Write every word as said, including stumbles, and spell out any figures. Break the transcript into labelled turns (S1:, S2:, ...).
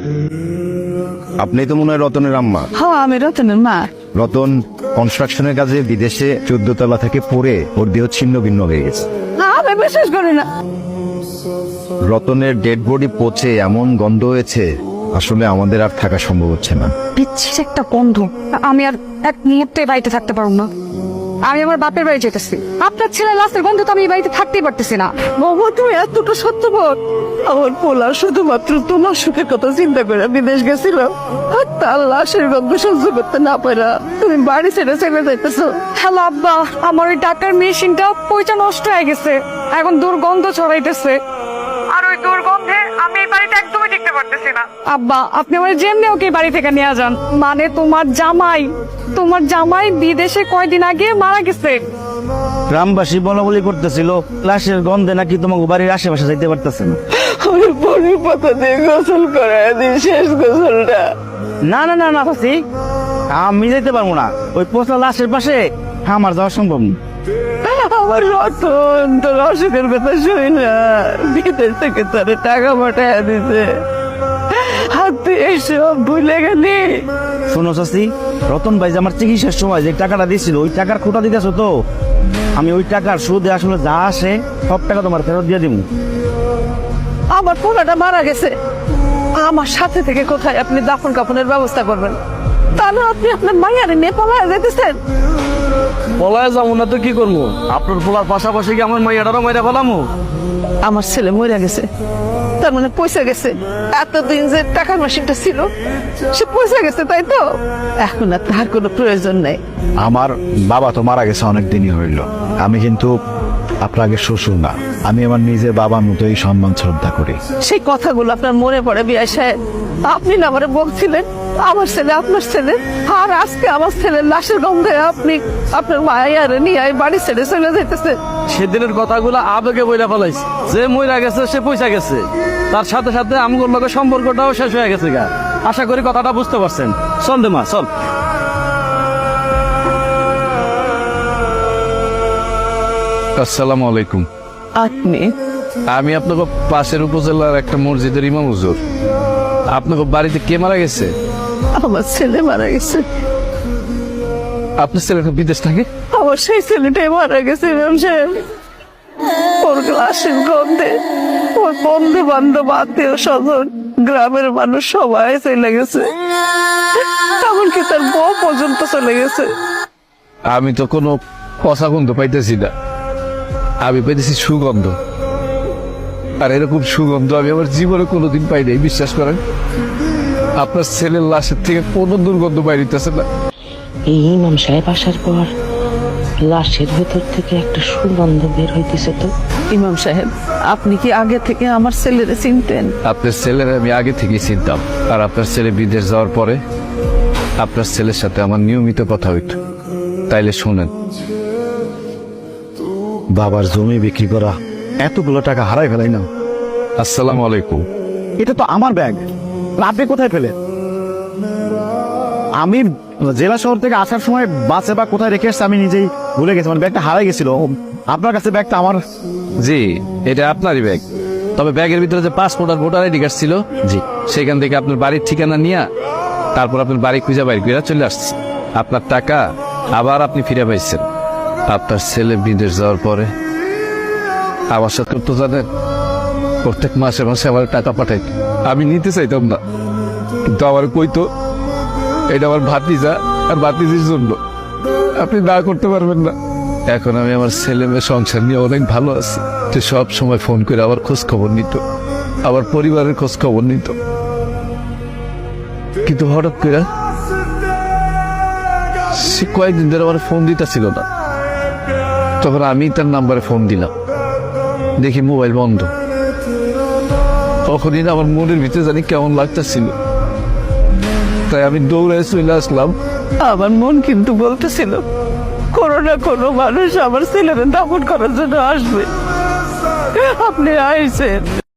S1: আপনি তো মনে হয় রতনের আম্মা।
S2: হ্যাঁ, আমি রতনের মা।
S1: রতন কনস্ট্রাকশনের কাজে বিদেশে চোদ্দ তলা থেকে পড়ে ওর দেহ ছিন্ন ভিন্ন হয়ে গেছে।
S2: না, আমি বিশ্বাস করি না।
S1: রতনের ডেড বডি পচে এমন গন্ধ হয়েছে, আসলে আমাদের আর থাকা সম্ভব হচ্ছে না।
S2: বিচ্ছির একটা গন্ধ। আমি আর এক মুহূর্তে বাড়িতে থাকতে পারবো না। আমি আমার বাপের বাড়ি যেতেছি। আপনার ছেলে লাশের গন্ধ তো আমি এই বাড়িতে থাকতেই পারতেছি না। বাবা, তুমি এতটা সত্যবাদ। আমার পোলা শুধুমাত্র তোমার সুখের কথা চিন্তা করে বিদেশ গেছিল, আর তার লাশের গন্ধ সহ্য করতে না পারা তুমি বাড়ি ছেড়ে চলে যাইতেছো। হ্যালো আব্বা, আমার ওই টাকার মেশিনটা পয়সা নষ্ট হয়ে গেছে, এখন দুর্গন্ধ ছড়াইতেছে। আর ওই দুর্গন্ধে আমি এই বাড়িতে একদমই টিকতে পারতেছি না। আব্বা, আপনি আমার যেমনি ওকে বাড়ি থেকে নিয়ে যান। মানে তোমার জামাই তোমার জামাই বিদেশে কয়দিন আগে মারা গেছে।
S3: গ্রামবাসী বলা বলি করতেছিল লাশের গন্ধে নাকি তোমাকে বাড়ির আশেপাশে যাইতে পারতেছে না।
S2: আমি পরে পাতা দিয়ে গোসল করাই দিই, শেষ গোসলটা।
S3: না না না না ফাসি, আমি যাইতে পারবো না। ওই পোষা লাশের পাশে আমার যাওয়া সম্ভব না।
S2: আমার রতন তোর অসুখের কথা শুই না, বিদেশ থেকে তোর টাকা পাঠায় দিতে, আর তুই এসব ভুলে গেলি।
S3: শোনো চাচি, রতন ভাই যে আমার চিকিৎসার সময় যে টাকাটা দিয়েছিল ওই টাকার খোটা দিতেছো তো, আমি ওই টাকার সুদে আসলে যা আসে সব টাকা তোমার ফেরত দিয়ে দিব।
S2: আমার পোলাটা মারা গেছে, আমার সাথে থেকে কোথায় আপনি দাফন কাফনের ব্যবস্থা করবেন? তাহলে আপনি আপনার মাইয়ারে নিয়ে পালায় যেতেছেন।
S3: পলায় যাবো না তো কি করবো? আপনার পোলার পাশাপাশি কি আমার মাইয়াটারও মাইরা ফেলামো?
S2: আমার ছেলে মরে গেছে, তার মানে পয়সা গেছে। এতদিন যে টাকার মেশিনটা ছিল সে পয়সা গেছে, তাই তো? এখন আর তার কোনো প্রয়োজন নেই।
S1: আমার বাবা তো মারা গেছে অনেক দিনই হইল। আমি কিন্তু আপনার আগে শ্বশুর না, আমি আমার নিজের বাবার মতোই সম্মান শ্রদ্ধা করি।
S2: সেই কথাগুলো আপনার মনে পড়ে বিয়াই সাহেব? আপনি না আমারে বলছিলেন আমার ছেলে আপনার ছেলে, আর আজকে আমার ছেলের লাশের গন্ধে আপনি আপনার মায়ের নিয়ে বাড়ি ছেড়ে চলে যেতেছে।
S3: সেদিনের কথাগুলো আবেগে বইলা ফেলাইছে। যে মইরা গেছে সে পয়সা গেছে, তার সাথে সাথে আমগুলোর লগে সম্পর্কটাও শেষ হয়ে গেছে গা। আশা করি কথাটা বুঝতে পারছেন। চল দে মা, চল।
S4: আসসালামু আলাইকুম।
S2: আপনি?
S4: আমি আপনাকে পাশের উপজেলার একটা মসজিদের ইমাম হুজুর। আপনাকে বাড়িতে কে মারা গেছে?
S2: আমার ছেলে মারা গেছে।
S4: আপনার ছেলেটা বিদেশ থাকে?
S2: আমার সেই ছেলেটাই মারা গেছে ইমাম সাহেব। ওর লাশের গন্ধে ওর বন্ধু বান্ধব আত্মীয় স্বজন গ্রামের মানুষ সবাই চলে গেছে, এমনকি তার বউ পর্যন্ত চলে গেছে।
S4: আমি তো কোনো পচা গন্ধ পাইতেছি না, আমি পাইতেছি সুগন্ধ। আর এরকম সুগন্ধ আমি আমার জীবনে কোনোদিন পাই নাই, বিশ্বাস করেন। আপনার ছেলের লাশের থেকে কোনো দুর্গন্ধ বাইরিতেছে না।
S5: এই ইমাম সাহেব আসার পর লাশের ভেতর থেকে একটা সুগন্ধ বের হইতেছে। তো
S2: ইমাম সাহেব, আপনি কি আগে থেকে আমার ছেলেরে চিনতেন?
S4: আপনার ছেলের আমি আগে থেকেই চিনতাম। আর আপনার ছেলে বিদেশ যাওয়ার পরে আপনার ছেলের সাথে আমার নিয়মিত কথা হইত। তাইলে শোনেন,
S1: বাবার জমি বিক্রি করা এতগুলো টাকা হারাই ফেলাই না।
S4: আসসালামু আলাইকুম।
S3: এটা তো আমার ব্যাগ, আপনি কোথায় পেলেন? আমি জেলা শহর থেকে আসার সময় বাসে বা কোথায় রেখে এসছি আমি নিজেই ভুলে গেছি। মানে ব্যাগটা হারাই গেছিল। আপনার কাছে ব্যাগটা আমার?
S4: জি, এটা আপনারই ব্যাগ। তবে ব্যাগের ভিতরে যে পাসপোর্ট আর ভোটার আইডি কার্ড ছিল, জি, সেখান থেকে আপনার বাড়ির ঠিকানা নিয়ে তারপর আপনার বাড়ি খুঁজে বাইর করে চলে আসছি। আপনার টাকা আবার আপনি ফিরে পাইছেন। আপনার ছেলে বিদেশ যাওয়ার পরে আমার সাথে তো জানেন, প্রত্যেক মাসে মাসে আমার টাকা পাঠাই। আমি নিতে চাইতাম না, কিন্তু আমার কইতো এটা আমার ভাতিজা আর ভাতিজির জন্য, আপনি না করতে পারবেন না। এখন আমি আমার ছেলে মেয়ে সংসার নিয়ে অনেক ভালো আছি। সে সব সময় ফোন করে আমার খোঁজ খবর নিত, আমার পরিবারের খোঁজ খবর নিত। কিন্তু হঠাৎ করে সে কয়েকদিন ধরে আমার ফোন দিতেছিল না। তখন আমি তার নাম্বারে ফোন দিলাম, দেখি মোবাইল বন্ধ। তখনই না আমার মনের ভিতরে জানি কেমন লাগতেছিল, তাই আমি দৌড়ায় চলে আসলাম।
S2: আমার মন কিন্তু বলতেছিল কোনো না কোনো মানুষ আমার ছেলের দাফন করার জন্য আসবে। আপনি আইছেন।